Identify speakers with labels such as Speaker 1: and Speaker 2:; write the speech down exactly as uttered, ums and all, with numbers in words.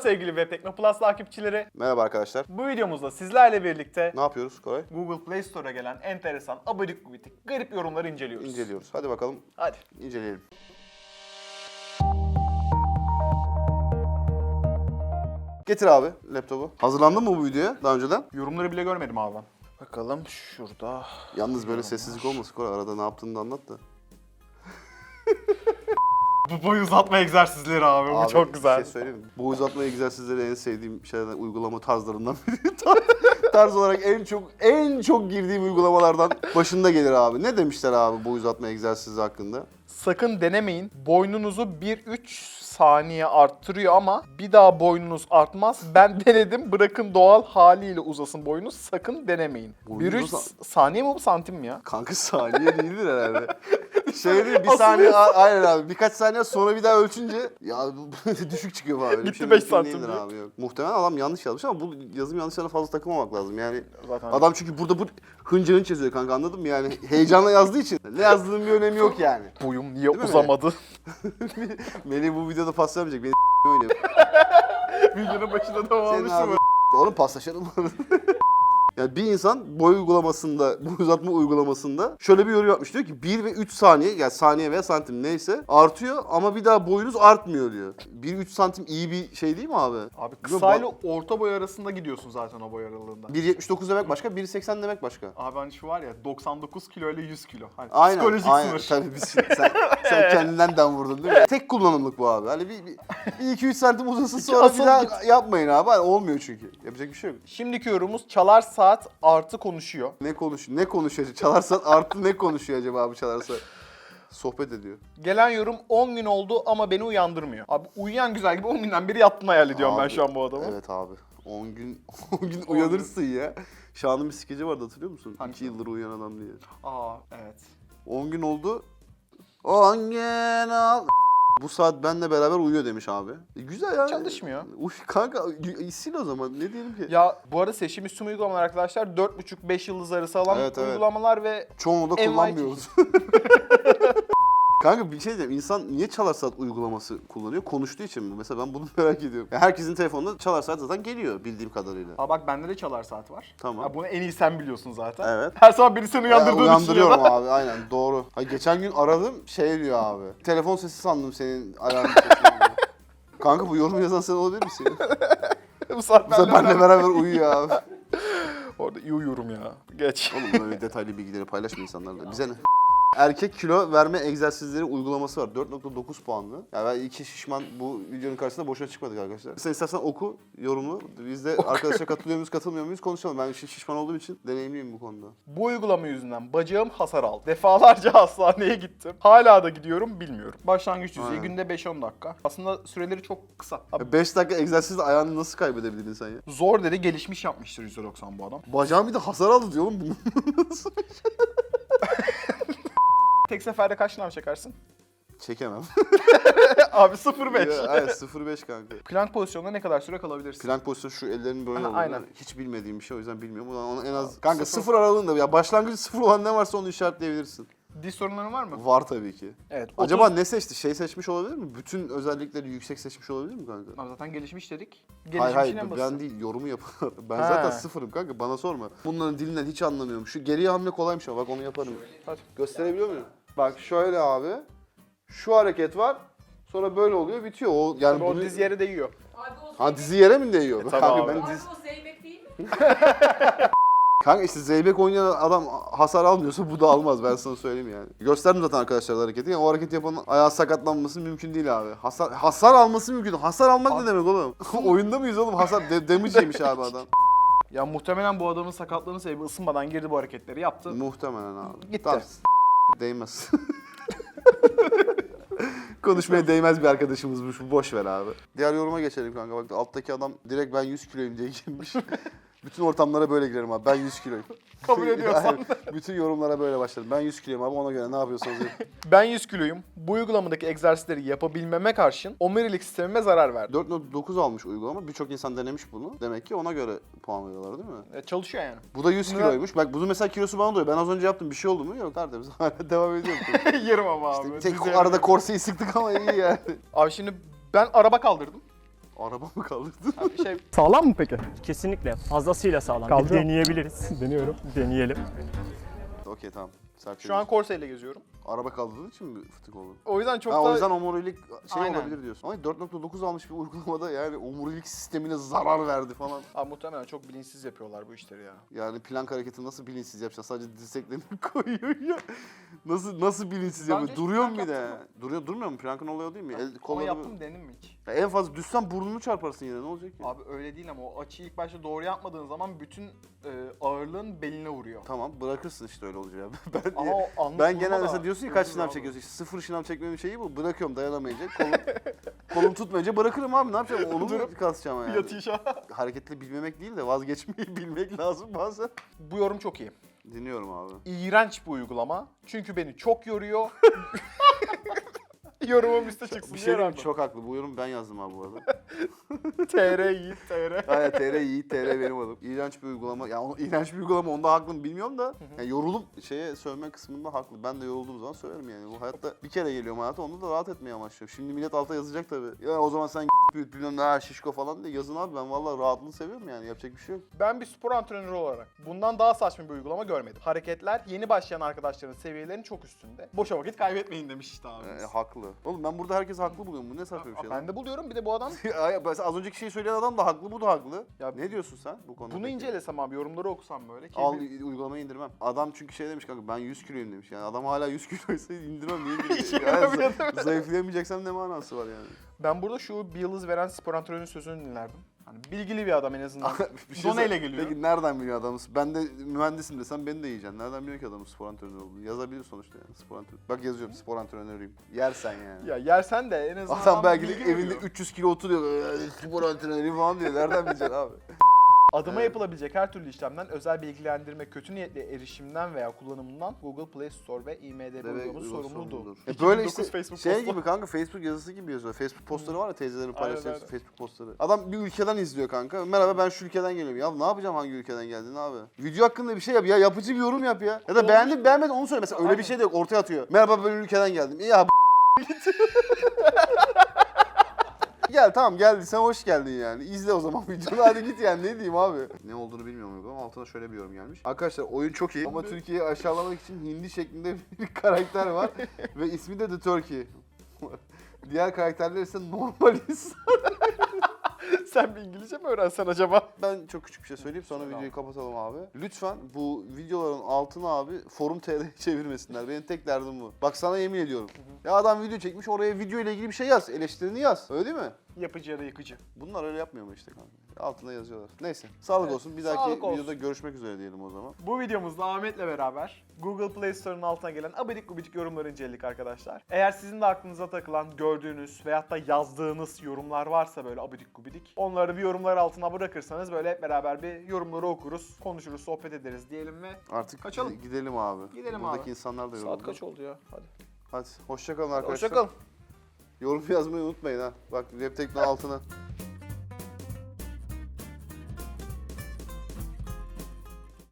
Speaker 1: sevgili Web Teknoplus takipçileri.
Speaker 2: Merhaba arkadaşlar.
Speaker 1: Bu videomuzda sizlerle birlikte
Speaker 2: Ne yapıyoruz Koray?
Speaker 1: Google Play Store'a gelen enteresan, abidik gubidik, garip yorumları inceliyoruz.
Speaker 2: İnceliyoruz. Hadi bakalım
Speaker 1: Hadi.
Speaker 2: inceleyelim. Getir abi laptopu. Hazırlandın mı bu videoya daha önceden?
Speaker 1: Yorumları bile görmedim abi ben. Bakalım şurada.
Speaker 2: Yalnız böyle sessizlik olmasın Koray. Arada ne yaptığını da anlat da.
Speaker 1: Bu boy uzatma egzersizleri abi, bu
Speaker 2: Abi,
Speaker 1: çok güzel.
Speaker 2: Bir şey söyleyeyim mi? Bu uzatma egzersizleri en sevdiğim şeylerden, uygulama tarzlarından biri. Tarz olarak en çok en çok girdiğim uygulamalardan başında gelir abi. Ne demişler abi bu uzatma egzersizi hakkında?
Speaker 1: Sakın denemeyin. Boynunuzu bir üç saniye arttırıyor ama bir daha boynunuz artmaz. Ben denedim. Bırakın doğal haliyle uzasın boynunuz. Sakın denemeyin. bir üç
Speaker 2: Boynunuz-
Speaker 1: saniye mi bu, santim mi ya?
Speaker 2: Kanka saniye değildir herhalde. Şey değil, bir saniye a- aynen abi. Birkaç saniye sonra bir daha ölçünce ya bu düşük çıkıyor falan. Öyle bir
Speaker 1: Gitti
Speaker 2: şey
Speaker 1: beş
Speaker 2: mümkün
Speaker 1: santim
Speaker 2: değildir
Speaker 1: diye.
Speaker 2: abi, yok. Muhtemelen adam yanlış yazmış ama bu yazım yanlışlarına fazla takılmamak lazım. Yani
Speaker 1: Zaten
Speaker 2: adam çünkü burada bu hınca hınç yazıyor kanka, anladın mı? Yani heyecanla yazdığı için ne yazdığının bir önemi yok yani.
Speaker 1: boyum niye
Speaker 2: mi?
Speaker 1: uzamadı?
Speaker 2: Melih bu videoda paslamayacak. Beni oynuyor.
Speaker 1: Videonun başında da
Speaker 2: Senin
Speaker 1: olmuştu
Speaker 2: ağzın oğlum paslaşalım. Yani bir insan boy uygulamasında, boy uzatma uygulamasında şöyle bir yorum yapmış. Diyor ki bir ve üç saniye, yani saniye veya santim neyse artıyor ama bir daha boyunuz artmıyor diyor. bir üç santim iyi bir şey değil mi abi?
Speaker 1: Abi kısayla orta boy arasında gidiyorsun zaten o boy aralığında.
Speaker 2: bir yetmiş dokuz demek başka, bir seksen demek başka.
Speaker 1: Abi hani şu var ya, doksan dokuz kilo ile yüz kilo. Hani
Speaker 2: Aynen,
Speaker 1: psikolojik
Speaker 2: aynen.
Speaker 1: sınır.
Speaker 2: Tabii biz, sen, sen kendinden dem vurdun değil mi? Tek kullanımlık bu abi. Hani bir, bir, bir iki üç santim uzasın sonra
Speaker 1: asıl
Speaker 2: bir daha
Speaker 1: git.
Speaker 2: yapmayın abi. Hani olmuyor çünkü. Yapacak bir şey yok.
Speaker 1: Şimdiki yorumumuz çalar saat artı konuşuyor.
Speaker 2: Ne konuşuyor? Ne konuşuyor? Çalarsan artı ne konuşuyor acaba abi çalarsa? Sohbet ediyor.
Speaker 1: Gelen yorum on gün oldu ama beni uyandırmıyor. Abi uyuyan güzel gibi on günden beri yattığını hayal ediyorum ben
Speaker 2: Abi,
Speaker 1: şu an bu adamı.
Speaker 2: Evet abi. on gün on gün uyanırsın ya. Şahan'ın bir skeci vardı, hatırlıyor musun?
Speaker 1: Hangisi?
Speaker 2: iki yıldır uyuyan adam diye.
Speaker 1: Aa evet.
Speaker 2: on gün oldu. on gün al. Bu saat benle beraber uyuyor demiş abi. E, güzel ya.
Speaker 1: Çalışmıyor.
Speaker 2: Uy kanka sil o zaman, ne diyelim ki?
Speaker 1: Ya bu arada seçim üstü uygulamalar arkadaşlar dört buçuk beş yıldız arası alan
Speaker 2: Evet, evet.
Speaker 1: uygulamalar ve
Speaker 2: Çoğunu da
Speaker 1: N Y T.
Speaker 2: kullanmıyoruz. Kanka bir şey diyeyim, insan niye çalar saat uygulaması kullanıyor? Konuştuğu için mi? Mesela ben bunu merak ediyorum. Ya herkesin telefonunda çalar saat zaten geliyor bildiğim kadarıyla.
Speaker 1: Aa bak bende de çalar saat var.
Speaker 2: Tamam.
Speaker 1: Ya bunu en iyi sen biliyorsun zaten.
Speaker 2: Evet.
Speaker 1: Her sabah biri seni
Speaker 2: Ya,
Speaker 1: uyandırdığını
Speaker 2: uyandırıyorum
Speaker 1: düşünüyor.
Speaker 2: abi, aynen doğru. Ha, geçen gün aradım, şey diyor abi. Telefon sesi sandım senin alarm sesini. Kanka bu yorum yazan sen olabilir misin?
Speaker 1: Bu saat
Speaker 2: Mesela
Speaker 1: bende
Speaker 2: benimle beraber uyuyor abi.
Speaker 1: Orada iyi uyuyorum ya. Geç.
Speaker 2: Oğlum böyle detaylı bilgileri paylaşma insanlarla. Bize ne? Erkek kilo verme egzersizleri uygulaması var. dört nokta dokuz puanlı. Yani ben iki şişman bu videonun karşısında boşuna çıkmadık arkadaşlar. Sen istersen oku yorumunu. Biz de arkadaşlar katılıyor muyuz, katılmıyor muyuz konuşalım. Ben şiş- şişman olduğum için deneyimliyim bu konuda.
Speaker 1: Bu uygulama yüzünden bacağım hasar aldı. Defalarca hastaneye gittim. Hala da gidiyorum, bilmiyorum. Başlangıç düzeyi
Speaker 2: Aynen.
Speaker 1: günde beş on dakika. Aslında süreleri çok kısa. Abi,
Speaker 2: beş dakika egzersizle ayağını nasıl kaybedebildin sen ya?
Speaker 1: zor dedi, gelişmiş yapmıştır yüzde doksan bu adam.
Speaker 2: Bacağım bir de hasar aldı diyor oğlum. Bunu nasıl?
Speaker 1: Tek seferde kaç şınav çekersin?
Speaker 2: Çekemem.
Speaker 1: Abi sıfır beş.
Speaker 2: Ya, Aynen sıfır beş kanka.
Speaker 1: Plank pozisyonunda ne kadar süre kalabilirsin?
Speaker 2: Plank pozisyonu şu ellerin böyle
Speaker 1: Aha,
Speaker 2: olduğunu
Speaker 1: aynen.
Speaker 2: hiç bilmediğim bir şey, o yüzden bilmiyorum. Ulan onu en az kanka sıfır aralığında, ya başlangıcı sıfır olan ne varsa onu işaretleyebilirsin.
Speaker 1: Diz sorunların var mı?
Speaker 2: Var tabii ki.
Speaker 1: Evet.
Speaker 2: Acaba
Speaker 1: otuz
Speaker 2: ne seçti? Şey seçmiş olabilir mi? Bütün özellikleri yüksek seçmiş olabilir mi kanka?
Speaker 1: Abi zaten gelişmiş dedik.
Speaker 2: Hayır
Speaker 1: Gelişmişin
Speaker 2: hayır
Speaker 1: en
Speaker 2: ben
Speaker 1: basiti.
Speaker 2: değil, yorumu yapan. Ben
Speaker 1: Ha.
Speaker 2: zaten sıfırım kanka, bana sorma. Bunların dilinden hiç anlamıyorum. Şu geriye hamle kolaymış ama bak onu yaparım.
Speaker 1: Hadi.
Speaker 2: Gösterebiliyor muyum? Bak şöyle abi. Şu hareket var. Sonra böyle oluyor, bitiyor. O yani
Speaker 1: Tabii o
Speaker 2: bunu...
Speaker 1: diz yere değiyor.
Speaker 3: Abi o
Speaker 2: Ha dizi yere mi değiyor?
Speaker 1: E, tabii
Speaker 2: kanka
Speaker 1: abi.
Speaker 2: ben
Speaker 3: Abi
Speaker 2: diz...
Speaker 3: o zeybek değil mi?
Speaker 2: Kanka işte zeybek oynayan adam hasar almıyorsa bu da almaz, ben sana söyleyeyim yani. Gösterdim zaten arkadaşlar hareketi. Yani o hareketi yapanın ayağı sakatlanması mümkün değil abi. Hasar hasar alması mümkün. Hasar almak
Speaker 1: Abi-
Speaker 2: ne demek oğlum? Oyunda mıyız oğlum? Hasar de, damage yemiş abi adam.
Speaker 1: Ya muhtemelen bu adamın sakatlığının sebebi ısınmadan girdi bu hareketleri yaptı.
Speaker 2: Muhtemelen abi.
Speaker 1: Gitti.
Speaker 2: Tamam. Değmez. Konuşmaya değmez bir arkadaşımızmış bu, boş ver abi. Diğer yoruma geçelim kanka. Bak alttaki adam direkt ben yüz kiloyum diye girmiş. Bütün ortamlara böyle girerim abi. Ben yüz kiloyum.
Speaker 1: Kabul ediyorsan.
Speaker 2: Yani bütün yorumlara böyle başladım. Ben yüz kiloyum abi, ona göre ne yapıyorsanız yapın.
Speaker 1: Ben yüz kiloyum. Bu uygulamadaki egzersizleri yapabilmeme karşın omurilik sistemime zarar verdi.
Speaker 2: dört nokta dokuz almış uygulama. Birçok insan denemiş bunu. Demek ki ona göre puan veriyorlar değil mi?
Speaker 1: E, çalışıyor yani.
Speaker 2: Bu da yüz
Speaker 1: Ne?
Speaker 2: kiloymuş. Bak bunun mesela kilosu bana doyuyor. Ben az önce yaptım. Bir şey oldu mu? Yok. Tertemiz. Hala devam ediyorum.
Speaker 1: Yerim ama abi.
Speaker 2: İşte tek
Speaker 1: Diz yere
Speaker 2: arada
Speaker 1: değiyor.
Speaker 2: korseyi sıktık ama iyi yani.
Speaker 1: Abi şimdi ben araba kaldırdım.
Speaker 2: Araba mı kaldırdın?
Speaker 1: Abi şey
Speaker 3: Sağlam mı peki?
Speaker 4: Kesinlikle fazlasıyla sağlam. Bir
Speaker 3: Kaldırıyor.
Speaker 4: deneyebiliriz.
Speaker 3: Deniyorum.
Speaker 4: Deneyelim.
Speaker 2: Okey tamam. Sert
Speaker 1: şu an Corsa ile geziyorum.
Speaker 2: araba kaldırdığın için mi fıtık oldu?
Speaker 1: O yüzden çok
Speaker 2: Ha,
Speaker 1: da...
Speaker 2: o yüzden omurilik şey
Speaker 1: Aynen.
Speaker 2: olabilir diyorsun. Ama dört nokta dokuz almış bir uygulamada yani omurilik sistemine zarar verdi falan.
Speaker 1: Abi muhtemelen çok bilinçsiz yapıyorlar bu işleri ya.
Speaker 2: Yani plank hareketi nasıl bilinçsiz yapacaksın? Sadece dirseklerini koyuyor ya. Nasıl nasıl bilinçsiz
Speaker 1: Bence
Speaker 2: yapıyor?
Speaker 1: hiç
Speaker 2: Duruyor mu
Speaker 1: plank
Speaker 2: bir de?
Speaker 1: yaptın
Speaker 2: Duruyor durmuyor mu? Plankın oluyor değil mi? El,
Speaker 1: Ama
Speaker 2: kolları...
Speaker 1: yaptım dedim mi hiç?
Speaker 2: Ya en fazla düşsen burnunu çarparsın yine ne olacak ki?
Speaker 1: Abi öyle değil ama o açıyı ilk başta doğru yapmadığın zaman bütün e, ağırlığın beline vuruyor.
Speaker 2: Tamam bırakırsın işte öyle olacak. Ben,
Speaker 1: Ama o anlık
Speaker 2: ben
Speaker 1: vurma
Speaker 2: genelde
Speaker 1: da
Speaker 2: mesela diyorsun ki kaç
Speaker 1: öldürür
Speaker 2: şınav
Speaker 1: abi.
Speaker 2: çekiyorsun? İşte sıfır şınav çekmemin şeyi bu. Bırakıyorum dayanamayınca. Kolum, kolum tutmayınca bırakırım abi ne yapacağım? Onu mu
Speaker 1: Durup
Speaker 2: kasacağım yani?
Speaker 1: Yatıyor şu an.
Speaker 2: Hareketli bilmemek değil de vazgeçmeyi bilmek lazım bazen.
Speaker 1: Bu yorum çok iyi.
Speaker 2: Dinliyorum abi.
Speaker 1: İğrenç bir uygulama. Çünkü beni çok yoruyor. Yorumum üstte çıksın
Speaker 2: Bir şey
Speaker 1: diye
Speaker 2: diyeyim mi?
Speaker 1: rağmen.
Speaker 2: Çok haklı. Bu yorum ben yazdım abi bu arada.
Speaker 1: T R Yiğit T R.
Speaker 2: Aynen T R Yiğit, T R benim adım. İğrenç bir uygulama. Ya onu, iğrenç bir uygulama onda haklı mı bilmiyorum da. Yani yorulup şeye sövme kısmında haklı. Ben de yorulduğum zaman söverim yani. Bu hayatta bir kere geliyorum hayata onda da rahat etmeye amaçlıyorum. Şimdi millet alta yazacak tabii. Ya o zaman sen büyüt bilmem ne ha, şişko falan diye yazın abi. Ben vallahi rahatlığını seviyorum yani. Yapacak bir şey yok.
Speaker 1: Ben bir spor antrenörü olarak bundan daha saçma bir uygulama görmedim. Hareketler yeni başlayan arkadaşların seviyelerinin çok üstünde. Boşa vakit kaybetmeyin demiş işte abimiz.
Speaker 2: E, haklı. Oğlum ben burada herkes haklı buluyorum. Bu ne saçma bir şey lan.
Speaker 1: Ben de buluyorum bir de bu adam.
Speaker 2: Ay, mesela az önceki şeyi söyleyen adam da haklı, bu da haklı.
Speaker 1: Ya
Speaker 2: Ne diyorsun sen bu konuda?
Speaker 1: Bunu
Speaker 2: peki?
Speaker 1: incelesem abi yorumları okusam böyle. Ki
Speaker 2: Al
Speaker 1: bir-
Speaker 2: uygulamayı indirmem. Adam çünkü şey demiş kanka ben yüz kiloyum demiş. Yani adam hala yüz kiloysa indirmem niye
Speaker 1: İşe
Speaker 2: indireyim?
Speaker 1: yaramıyor,
Speaker 2: Yani,
Speaker 1: değil mi?
Speaker 2: zayıflayamayacaksam ne manası var yani?
Speaker 1: Ben burada şu bir yıldız veren spor antrenörünün sözünü dinlerdim. Hani bilgili bir adam en azından.
Speaker 2: Bir şey
Speaker 1: Doneyle
Speaker 2: sor-
Speaker 1: geliyor.
Speaker 2: Peki nereden biliyor adamı? Ben de mühendisim desem beni de yiyeceksin. Nereden biliyor ki adamın spor antrenörü olduğunu? Yazabilir sonuçta yani spor antrenörü. Bak yazıyorum spor antrenörüyüm. Yersen yani.
Speaker 1: Ya yersen de en azından
Speaker 2: Adam belki de
Speaker 1: bilgi
Speaker 2: evinde
Speaker 1: veriyor.
Speaker 2: üç yüz kilo oturuyor. "Ee, Spor antrenörüyüm falan diyor. Nereden bileceksin abi?
Speaker 1: Adıma
Speaker 2: Evet.
Speaker 1: yapılabilecek her türlü işlemden, özel bilgilendirme, kötü niyetli erişimden veya kullanımından Google Play Store ve I M D B uygulaması sorumludur.
Speaker 2: E böyle işte
Speaker 1: Facebook
Speaker 2: şey
Speaker 1: postu.
Speaker 2: gibi kanka Facebook yazısı gibi yazıyor. Facebook postları var ya teyzelerin paylaştığı
Speaker 1: Aynen,
Speaker 2: Facebook postları. Adam bir ülkeden izliyor kanka. Merhaba ben şu ülkeden geliyorum. Ya ne yapacağım hangi ülkeden geldiğini abi? Video hakkında bir şey yap ya. Yapıcı bir yorum yap ya. Ya da beğendin beğenmedin onu söyle. Mesela öyle
Speaker 1: Aynen.
Speaker 2: bir şey de yok. Ortaya atıyor. Merhaba ben ülkeden geldim. İyi abi. Gel tamam geldiysen hoş geldin yani. İzle o zaman videonu hadi git yani ne diyeyim abi. Ne olduğunu bilmiyorum ama altına şöyle bir yorum gelmiş. Arkadaşlar oyun çok iyi ama Türkiye'yi aşağılamak için hindi şeklinde bir karakter var ve ismi de The Turkey. Diğer karakterler ise normal insan.
Speaker 1: Sen bir İngilizce mi öğrensen acaba?
Speaker 2: Ben çok küçük bir şey söyleyeyim sonra
Speaker 1: Söyle
Speaker 2: videoyu
Speaker 1: abi.
Speaker 2: kapatalım abi. Lütfen bu videoların altına abi forum T R'ye çevirmesinler. Benim tek derdim bu. Bak sana yemin ediyorum. Ya adam video çekmiş oraya video ile ilgili bir şey yaz. Eleştirini yaz. Öyle değil mi?
Speaker 1: Yapıcı ya da yıkıcı.
Speaker 2: Bunlar öyle yapmıyor mu işte kanka? Altına yazıyorlar. Neyse. Sağlık
Speaker 1: Evet,
Speaker 2: olsun. Bir dahaki
Speaker 1: sağlık olsun.
Speaker 2: videoda görüşmek üzere diyelim o zaman.
Speaker 1: Bu videomuzda Ahmet'le beraber Google Play Store'un altına gelen abidik gubidik yorumları inceledik arkadaşlar. Eğer sizin de aklınıza takılan, gördüğünüz veyahut da yazdığınız yorumlar varsa böyle abidik gubidik, onları bir yorumlar altına bırakırsanız böyle hep beraber bir yorumları okuruz, konuşuruz, sohbet ederiz diyelim ve
Speaker 2: Artık
Speaker 1: Kaçalım.
Speaker 2: gide- gidelim abi.
Speaker 1: Gidelim
Speaker 2: Buradaki
Speaker 1: abi.
Speaker 2: insanlar da yoruldu.
Speaker 1: saat kaç oldu ya? Hadi.
Speaker 2: Hadi hoşça kalın arkadaşlar.
Speaker 1: Hoşçakalın.
Speaker 2: Yorum yazmayı unutmayın ha. Bak Web Tekno altına.